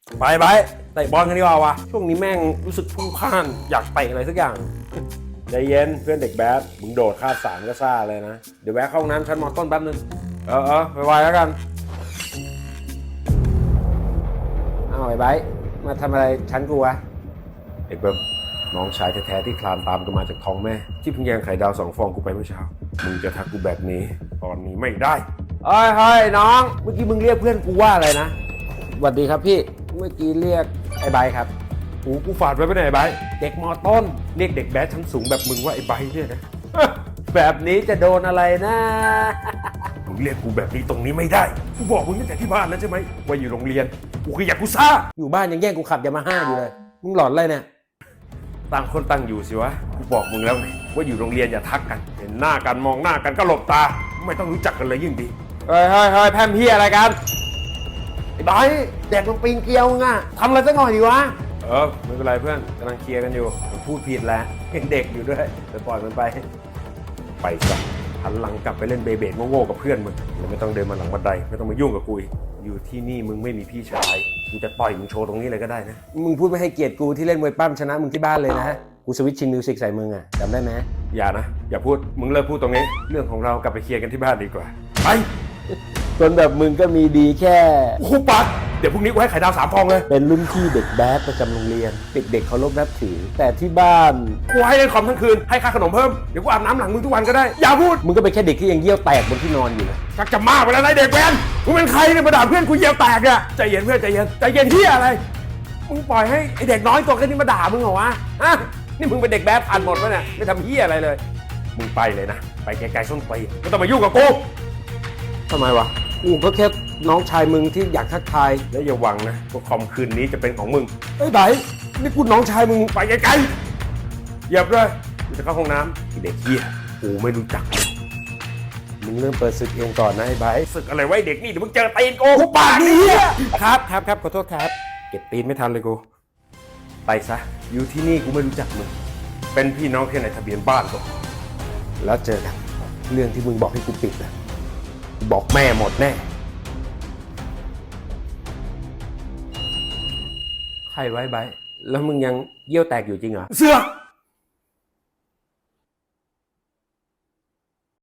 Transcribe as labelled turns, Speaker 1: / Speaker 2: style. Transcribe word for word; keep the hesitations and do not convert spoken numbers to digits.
Speaker 1: ไปไปเตะบอลกันดีกว่าวะช่วงนี้แม่งรู้สึกพุ่งพล่านอยากเตะอะไรสักอย่างใจเย็นเพื่อนเด็กแบดมึงโดดคาดสามก็ซ่าเลยนะเดี๋ยวแวะเข้าห้องน้ำชั้นมอต้นแป๊บนึงเออเออไปไวๆแล้วกันอ้าวไอ้ไบร์ทมาทำอะไรชั้นกูวะไอ้เบิ้มน้องชายแท้ๆที่คลานตามกันมาจากท้องแม่ที่เพิ่งแย่งไข่ดาวสองฟองกูไปเมื่อเช้ามึงจะทักกูแบบนี้ตอนนี้ไม่ได้เฮ้ยเฮ้ยน้องเมื่อกี้มึงเรียกเพื่อนกูว่าอะไรนะสวัสดีครับพี่เมื่อกี้เรียกไอ้ไบร์ทครับกูกูฝาดไว้ไปไหนไอ้ไบร์ทเด็กมอต้นเรียกเด็กแบดชั้นสูงแบบมึงว่าไอ้ไบร์ทเนี่ยนะ แบบนี้จะโดนอะไรนะ มึงเรียกกูแบบนี้ตรงนี้ไม่ได้กูบอกมึงตั้งแต่ที่บ้านแล้วใช่ไหมว่าอยู่โรงเรียนกูคืออยากกูซ่าอยู่บ้านยังแย่งกูขับยามาฮ่าอยู่เลยมึงหลอนอะไรเนี่ยต่างคนต่างอยู่สิวะกูบอกมึงแล้วไงว่าอยู่โรงเรียนอย่าทักกันเห็นหน้ากันมองหน้ากันก็หลบตาไม่ต้องรู้จักกันเลยยิ่งดีเฮ้ยเฮ้ยเฮ้ยแพมพี่อะไรกันไอ้บอยแดกมันปิงเกลียวมึงอะทำอะไรสักหน่อยดีวะเออไม่เป็นไรเพื่อนกำลังเคลียร์กันอยู่มันพูดผิดแล้วยังเด็กอยู่ด้วยแต่ปล่อยมันไปไปซะหันหลังกลับไปเล่นเบเบดโง่ๆกับเพื่อนมึงแล้วไม่ต้องเดินมาหลังบันไดไม่ต้องมายุ่งกับกูอยู่ที่นี่มึงไม่มีพี่ชายกูจะต่อยมึงโชว์ตรงนี้เลยก็ได้นะมึงพูดไม่ให้เกียรติกูที่เล่นมวยปั้มชนะมึงที่บ้านเลยนะกูสวิตชินมิวสิกใส่มึงอะจำได้ไหมอย่านะอย่าพูดมึงเลิกพูดตรงนี้เรื่องของเรากลับไปเคลียร์กันที่บ้านดีกว่าไปคนแบบมึงก็มีดีแค่คูปัดเดี๋ยวพรุ่งนี้กูให้ไข่ดาวสามฟองเลยเป็นรุ่นพี่เด็กแบดประจำโรงเรียนเด็กๆเคารพนับถือแต่ที่บ้านกูให้เล่นคอมทั้งคืนให้ค่าขนมเพิ่มเดี๋ยวกูอาบน้ำหลังมึงทุกวันก็ได้อย่าพูดมึงก็เป็นแค่เด็กที่ยังเยี่ยวแตกบนที่นอนอยู่นะชักจะมากไปแล้วนายเด็กแว้นมึงเป็นใครเนี่ยมาด่าเพื่อนกูเยี่ยวแตกเนี่ยใจเย็นเพื่อนใจเย็นใจเย็นที่อะไรมึงปล่อยให้ไอเด็กน้อยตัวแค่นี้มาด่ามึงเหรอวะฮะนี่มึงเป็นเด็กแบดผ่านหมดปะเนี่ยไม่ทำเหี้ยอะไรเลยมึงไปเลยนะไปไกลๆส้นตีนไม่ต้องมายุ่งกับกูทำไมวะกูก็แค่น้องชายมึงที่อยากทักทายแล้วอย่าหวังนะว่าคอมคืนนี้จะเป็นของมึงเอ้ยไบนี่กูน้องชายมึงไปไกลๆเหยียบเลยกูจะเข้าห้องน้ำไอ้เด็กเหี้ยกูไม่รู้จักมึงเริ่มเปิดศึกเองก่อนนะไอ้ไบศึกอะไรไว้เด็กนี่เดี๋ยวมึงเจอตีนกูกูปากนี่ครับครับครับขอโทษครับเก็บตีนไม่ทันเลยกูไปซะอยู่ที่นี่กูไม่รู้จักมึงเป็นพี่น้องแค่ในทะเบียนบ้านก็แล้วเจอกันเรื่องที่มึงบอกให้กูปิดนะบอกแม่หมดแน่ใครไว้ไบแล้วมึงยังเยี่ยวแตกอยู่จริงเหรอเสือก